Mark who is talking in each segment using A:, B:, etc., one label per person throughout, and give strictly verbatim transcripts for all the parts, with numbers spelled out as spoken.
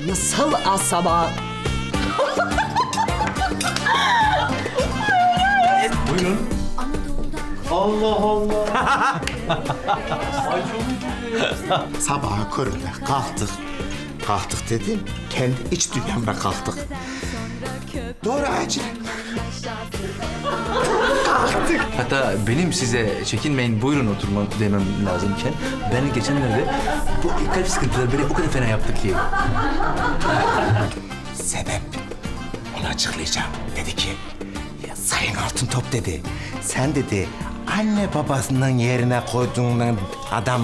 A: Nasıl asaba?
B: Buyurun. Allah Allah.
C: Sabahın köründe kalktık. Kalktık dedim, kendi iç dünyamda kalktık. Doğru acil.
B: Hatta benim size çekinmeyin buyurun oturma demem lazımken ben geçenlerde bu kalp sıkıntıları beni o kadar fena yaptı ki.
C: Sebep? Onu açıklayacağım. Dedi ki, ya Sayın Altıntop dedi. Sen dedi, anne babasının yerine koyduğun adam...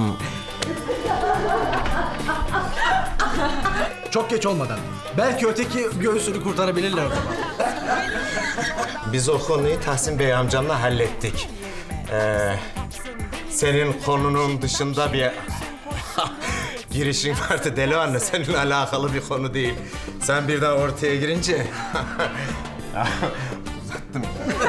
D: Çok geç olmadan. Belki öteki göğsünü kurtarabilirler o zaman.
C: Biz o konuyu Tahsin Bey amcamla hallettik. Ee, senin konunun dışında bir girişin vardı Deli Anne. Seninle alakalı bir konu değil. Sen birden ortaya girince... Uzattım.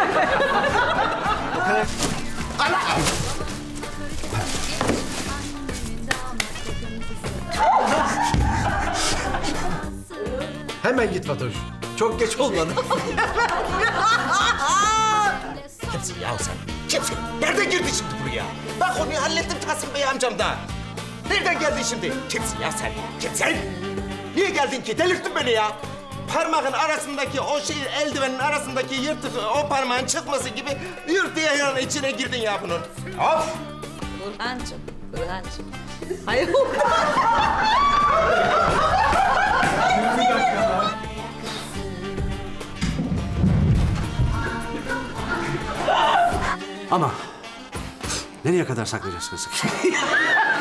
D: Hemen git Fatoş. Çok geç olmadan.
C: Kimsin ya sen? Kimsin? Nereden girdin şimdi buraya? Ben konuyu hallettim Tahsin Bey amcamdan. Nereden geldin şimdi? Kimsin ya sen? Kimsin? Niye geldin ki? Delirttin beni ya. Parmağın arasındaki o şey, eldivenin arasındaki yırtık, o parmağın çıkması gibi yırt diye yani içine girdin ya bunun. Of!
A: Burhancığım, Burhancığım. Hayır.
E: Ama nereye kadar saklayacağız kızı?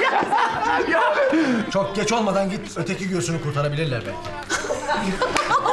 D: Çok geç olmadan git öteki göğsünü kurtarabilirler belki.